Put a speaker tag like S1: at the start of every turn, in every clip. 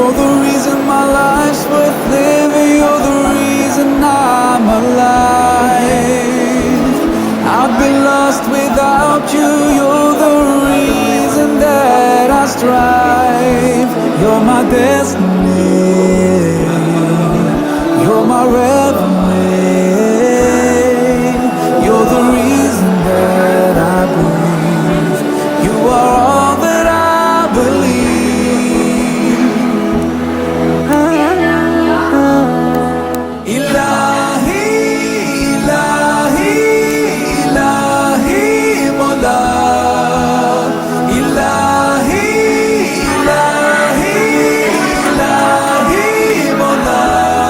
S1: You're the reason my life's worth living. You're the reason I'm alive. I'd be lost without you. You're the reason that I strive. You're my destiny. You're my revelation. You're the reason that I breathe. You are all that I believe. Ilahi, Ilahi, Ilahi, Mola. Ilahi, Ilahi, Ilahi, Mola.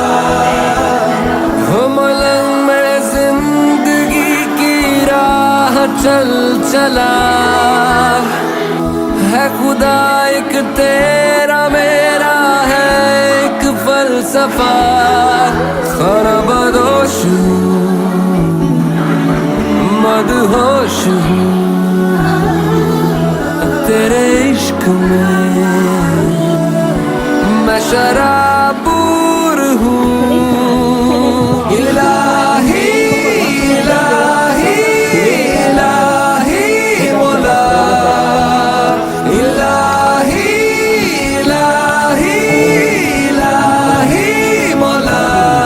S2: हो मलंग में जिंदगी की राह चल चला है खुदा एक तेरा मेरा है एक फलसफा खाना बदोश हूँ मदहोश हूँ तेरे इश्क में मैं शराबूर हूँ
S1: Ilahi, Ilahi, Ilahi, Mola. Ilahi, Ilahi, Ilahi, Mola.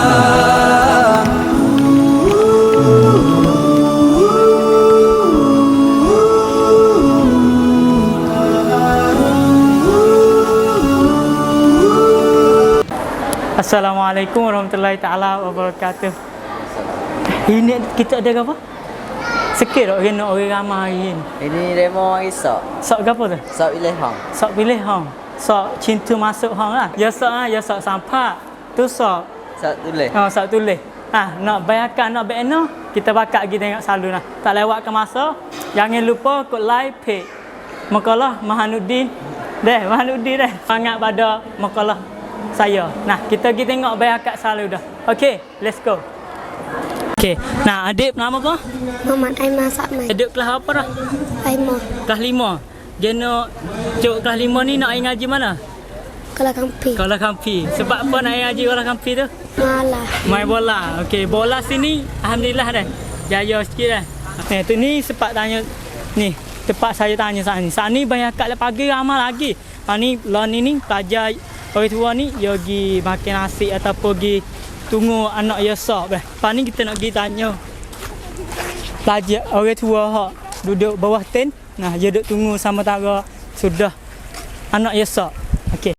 S3: Assalamualaikum warahmatullahi taala wabarakatuh. Ini kita ada apa? Sikit tak kena orang ramai hari ni.
S4: Ini demo esok.
S3: Sok apa tu?
S4: Esok pilih hang.
S3: Sok pilih hang. Sok cinta masuk hang lah. Ya sok ya sok sampak. Tu sok.
S4: Esok tulis.
S3: Sok tulis. Nak bayarkan nak BNO, kita bakat pergi tengok selalu lah. Tak lewatkan masa. Jangan lupa kod like page Makalah Mahanuddin. Mahanuddin Sangat pada makalah saya. Nah, kita pergi tengok bayarkat selalu dah. Okey, let's go. Okey. Nah, adik nama apa?
S5: Muhammad Aiman Sakmai.
S3: Adik kelas apa dah?
S5: Aiman.
S3: Kelas 5. Dia nak cuk kelas 5 ni nak ngaji mana?
S5: Kalau kampi.
S3: Kalau Kampi. Sebab apa nak ngaji kalau Kampi tu?
S5: Malah.
S3: Main bola. Okey, bola sini alhamdulillah dah. Jaya sikit dah. Tu ni sempat tanya ni. Tempat saya tanya saat ni. Saat ni banyak kat pagi ramai lagi. Ni lawan ni pelajar orang tua ni dia pergi makan nasi ataupun pergi tunggu anak dia sok. Lepas ni kita nak pergi tanya pelajar orang tua hak duduk bawah tent. Nah, dia duduk tunggu sementara sudah anak dia sok. Okey.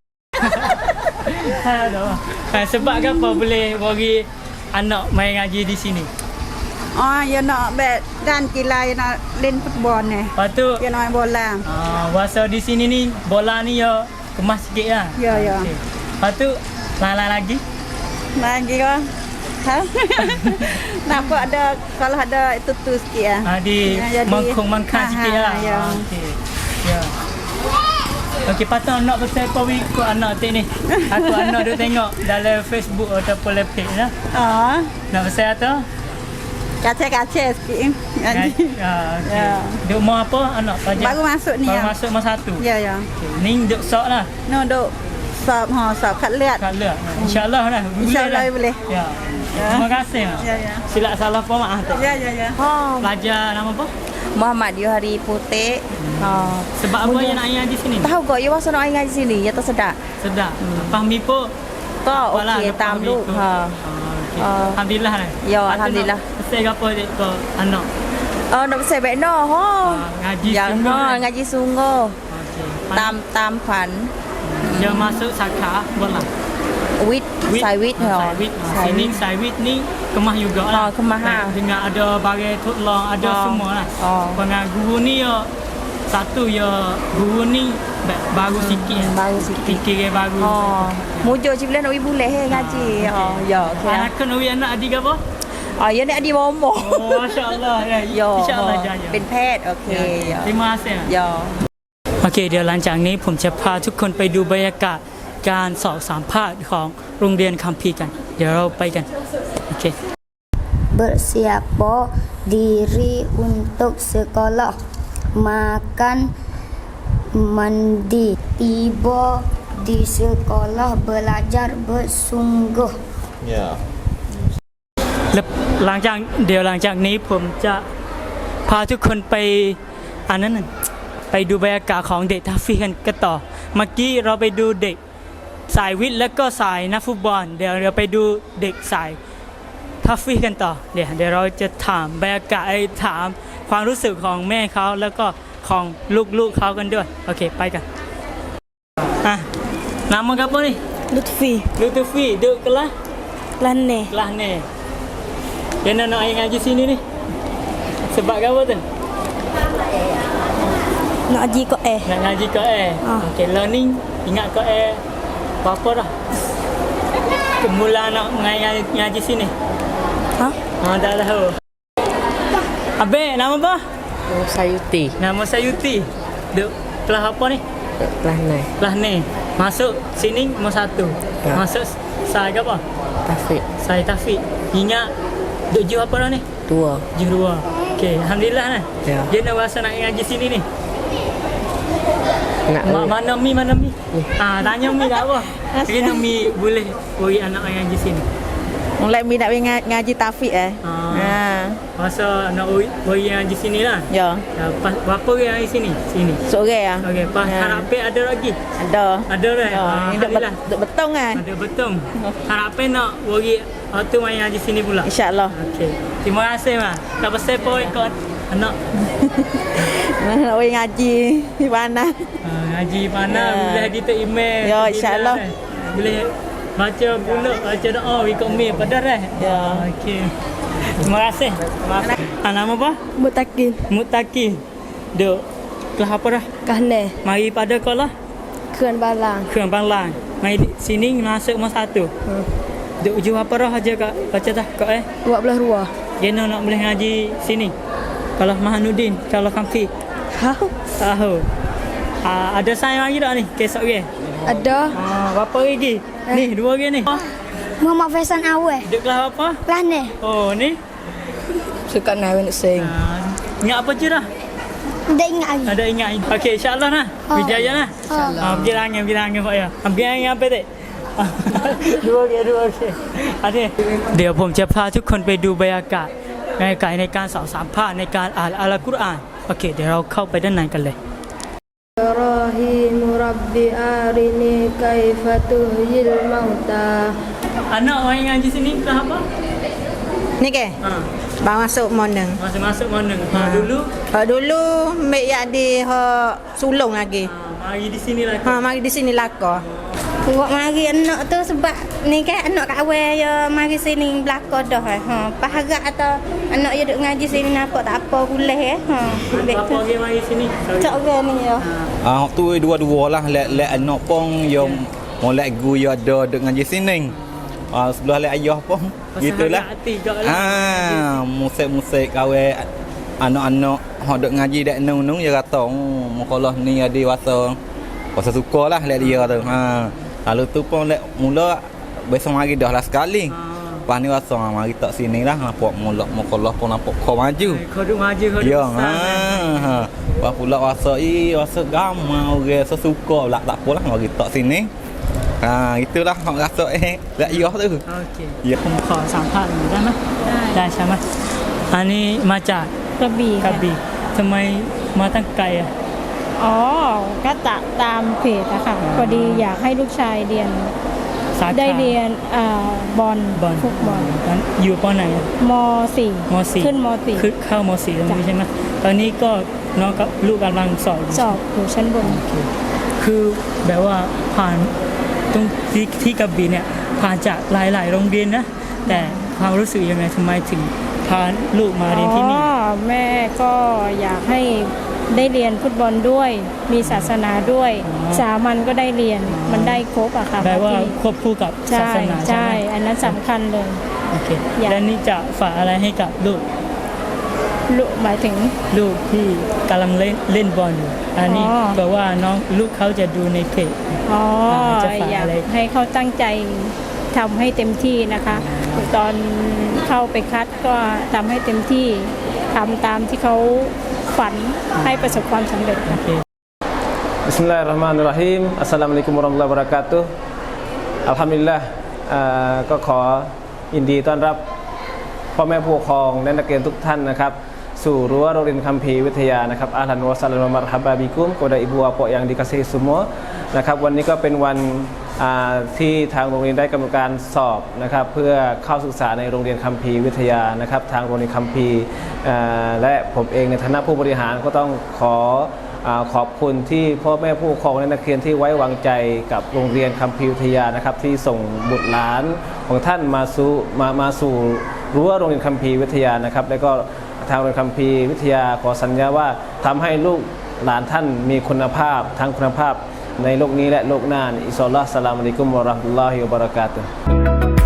S3: Aduh. Sebab apa boleh bagi anak main ngaji di sini?
S6: Ya nak bet dan kilai nak len football ni.
S3: Lepas tu
S6: Dia nak main bola.
S3: Masa di sini ni bola ni ya kemas sikit lah.
S6: Ya, ya.
S3: Okay. Lepas tu lain-lain lagi.
S6: Lagi ke? Ha? Nampak ada kalau ada itu tu sikit lah.
S3: Di
S6: Jadi-
S3: mangkung-mangkang sikit lah.
S6: Ya.
S3: Okey. Ya. Okey, patut nak betul kau ikut anak tu ni. Aku anak duk tengok dalam Facebook ataupun page lah. Nak besar tu?
S6: Kacau-kacau sikit.
S3: Okey.
S6: Ya.
S3: Duk mau apa anak pelajar?
S6: Baru masuk ni.
S3: Baru
S6: ya.
S3: masuk masa 1.
S6: Ya, ya.
S3: Okey. Ni duk sok lah.
S6: No, duk sab kat lihat.
S3: Kat lihat. InsyaAllah lah.
S6: InsyaAllah boleh.
S3: Ya.
S6: Ya.
S3: Terima kasih. Mak.
S6: Ya, ya.
S3: Silap salah apa maaf tak?
S6: Ya, ya, ya.
S3: Pelajar nama apa?
S7: Muhammad Yohari Putih.
S3: Sebab apa yang nak ngaji sini?
S7: Tahu kok you masa nak ngaji sini ya tak sedap.
S3: Sedap. Fahmi pun.
S7: Tak
S3: Apalah,
S7: okey
S3: lepas
S7: tam lu.
S3: itu.
S7: Ha.
S3: Okey.
S7: Ah.
S3: Alhamdulillah lah.
S7: Ya, alhamdulillah.
S3: Saya apa dek ke anak?
S7: Nak besar baik no.
S3: Ngaji
S7: Ya,
S3: sungguh. kan?
S7: ngaji sungguh.
S3: Okey.
S7: Tam pan.
S3: Dia masuk saka bola.
S7: Wit, sai wit ha.
S3: Saiwit. Sini saiwit ni kemah jugalah.
S7: Kemah ha.
S3: Dengan ada barang tolong, ada semua lah. Dengan guru ni ya satu ya guru ni baru sikit.
S7: Baru sikit.
S3: Fikir baru.
S7: Mujo cik bulan nak boleh ngaji. Ya, okey.
S3: Anak kan anak adik apa?
S7: Ya nak di bomo.
S3: Masya-Allah. Ya.
S7: Ya.
S3: InsyaAllah jaya.
S7: เป็นแพทย์โอเค
S3: Terima kasih.
S7: ยอ
S3: โอเคเดี๋ยวหลังจากนี้ผมจะพาทุกคนไปดูบรรยากาศการสอบสัมภาษณ์ของโรงเรียนคัมภีร์กัน เดี๋ยวเราไปกันโอเค
S5: Bersiapa diri untuk sekolah. Makan, mandi, tiba di sekolah belajar bersungguh.
S8: Ya.
S3: แล้วหลังจากนี้ผมจะพาทุกคนไปอันนั้นน่ะไปดูบรรยากาศของเด็กทัฟฟี่กันต่อเมื่อกี้เราไปดูเด็กสายวิทย์แล้วก็สายนักฟุตบอลเดี๋ยวเราไปดูเด็กสายทัฟฟี่กันต่อเดี๋ยวเราจะถามบรรยากาศถามความรู้สึกของแม่เขาแล้วก็ของลูกเขากันด้วยโอเคไปกันnama apa ni
S7: Lutfi
S3: Lutfi duduk kelas
S7: Lane
S3: ni yang nak ngaji sini ni sebab apa tu
S7: nak haji kok
S3: nak ngaji Quran okey learning ingat Quran berapa dah mula nak ngaji sini
S7: ha
S3: tak tahu Abang nama apa
S4: Sayuti.
S3: nama Sayuti duduk kelas apa ni kelas ni masuk sini nombor 1 masuk saya apa
S4: Taufik.
S3: saya Taufik ingat duduk jauh apa dah ni
S4: 2.
S3: jauh 2 okey alhamdulillah nah
S4: Ya.
S3: dia nak rasa nak ngaji sini ni
S4: Nak
S3: mana mi tanya mi tak apa dia nak mi boleh bagi anak ngaji sini
S6: Mulai mi nak ngaji Taufik
S3: masa nak bagi ngaji sini lah
S6: Ya.
S3: Pas berapa orang ngaji sini
S6: Seorang
S3: okey pas harapin ada lagi
S6: Ada.
S3: ada dah
S6: Duk betul kan?
S3: ada betul harapin nak bagi waktu main ngaji sini pula
S6: InsyaAllah.
S3: okey terima kasih mak tak pasal pun ikut anak
S6: Nak pergi ngaji di mana?
S3: ngaji mana boleh kita email
S6: Ya, insyaAllah.
S3: boleh baca pula baca doa ikut mail pada dah
S6: Ya.
S3: okey terima kasih nama apa Mutaki duk kelas apa dah
S5: Kahne,
S3: mari pada sekolah
S5: Keran Balang.
S3: Kelang Balang mari sini masuk nombor 1 duk jauh apa dah aja kak baca dah kak
S5: 12 ruah.
S3: Geno nak boleh ngaji sini kalau Mahanuddin kalau Kamfi tahu ada saya lagi tak ni kesok ke
S5: Ada
S3: berapa lagi ni 2 lagi ni
S5: Muhammad Faisal Awal.
S3: duduk kelas apa
S5: Kelas ni.
S3: oh ni
S7: suka nak sing
S3: ingat apa je dah
S5: Dia ingat lagi.
S3: ada ingat okey insyaallah nah berjaya nah pergi langit pak ya pergi langit apa tak 2 okey adaเดี๋ยวผมจะพาทุกคนไปดูบรรยากาศในการสอบสัมภาษณ์ในการอ่านอัลกุรอานโอเคเดี๋ยวเราเข้าไปด้านในกันเลย
S5: Rahim Rabbi arini kaifa tuhyil mauta.
S3: anak orang ngaji sini kelas apa
S6: Ni ke? Baru masuk moneng.
S3: masuk mana dulu
S6: Dulu mek yak di sulung lagi.
S3: mari di sini lah
S6: Mari di sini lako.
S7: buat mari anak tu sebab ni kan anak kat awal ya mari sini belakang dah pas harap atau anak ya duk ngaji sini nampak tak apa boleh ambil
S3: apa
S7: tu
S3: orang mari sini
S7: cak orang ni ya
S8: Tu dua-dua lah let anak pun yang molek gu ya ada duk ngaji sini. Sebelah let ayah pun gitulah. Musik-musik kawe anak-anak hok duk ngaji dak nung dia kata mukalah ni ada wasa sukalah let dia tu. Lalu tu pun let mula besok mari dah lah sekali. Lepas ni rasa mari tak sini lah nampak mula mukalah pun nampak kau maju.
S3: kau duk maju kau
S8: Ya,
S3: besar
S8: Lepas pula rasa gamai orang sesuka pula tak apalah mari tak sini. Itulah hak rasa lek ayah tu.
S3: okey
S8: Ya.
S3: ผมขอสัมภาษณ์หน่อยได้ไหมได้ใช่ไหมอันนี้มาจาก
S7: กระบี่
S3: กระบี่ทำไมมาตั้งไกลอ่ะ
S9: อ๋อ ก็ตามเพจอะค่ะพอดีอยากให้ลูกชายเรียน
S3: สาขา
S9: ได้เรียนบอล
S3: บอล
S9: ฟุตบอล
S3: นั้นอยู่ปไหนอะ
S9: ม
S3: ม .4
S9: ขึ้นม
S3: ขึ้นเข้าม .4 ตรงนี้ใช่ไหมตอนนี้ก็น้องกับลูกกำลังสอบ
S9: .4 สอบอยู่ชั้นบน
S3: คือแบบว่าผ่านตรงที่กระบี่เนี่ยผ่านจากหลายๆโรงเรียนนะแต่ความรู้สึกยังไงทำไมถึงพาลูกมาเรียนที่นี่
S9: อ๋อ แม่ก็อยากให้ได้เรียนฟุตบอลด้วย มีศาสนาด้วย สามัญก็ได้เรียน มันได้ครบอะค่ะ
S3: แปลว่าควบคู่กับศา
S9: ใช่
S3: สนาใช่
S9: ใช่
S3: ไหม
S9: อันนั้นสำคัญเลย
S3: โอเค
S9: อยาก
S3: แล้วนี่จะฝากอะไรให้กับลูก
S9: ลูกหมายถึง
S3: ลูกที่กำลังเล่นบอลอยู่อันนี้
S9: อ๋อ
S3: แปลว่าน้องลูกเขาจะดูในเพจ
S9: อ๋อ
S3: จะฝาก
S9: อยาก
S3: อะไร
S9: ให้เขาตั้งใจทำให้เต็มที่นะคะ ตอนเข้าไปคัดก็ทำให้เต็มที่ทำตามที่เขาฝันให้ประสบความสำเร็จ
S3: โอเค
S10: Bismillahirrahmanirrahim. Assalamualaikum warahmatullahi wabarakatuh. Alhamdulillah ก็ขอยินดีต้อนรับพ่อแม่ผู้ปกครองและนักเรียนทุกท่านนะครับสู่รั้วโรงเรียนคัมภีร์วิทยานะครับอาลันวะซัลลัมมะรฮับะบิกุมkepada ibu bapa yang dikasihi semua นะครับวันนี้ก็เป็นวันที่ทางโรงเรียนได้กำหนดการสอบนะครับเพื่อเข้าศึกษาในโรงเรียนคัมภีร์วิทยานะครับทางโรงเรียนคัมภีร์และผมเองในฐานะผู้บริหารก็ต้องขอบคุณที่พ่อแม่ผู้ปกครองและนักเรียนที่ไว้วางใจกับโรงเรียนคัมภีร์วิทยานะครับที่ส่งบุตรหลานของท่านมาสู่รั้วโรงเรียนคัมภีร์วิทยานะครับและก็ทางโรงเรียนคัมภีร์วิทยาขอสัญญาว่าทำให้ลูกหลานท่านมีคุณภาพทั้งคุณภาพในโลกนี้และโลกหน้าอินชาอัลลอฮ์ อัสสลามุอะลัยกุมวะเราะห์มะตุลลอฮิวะบะเราะกาตุฮ์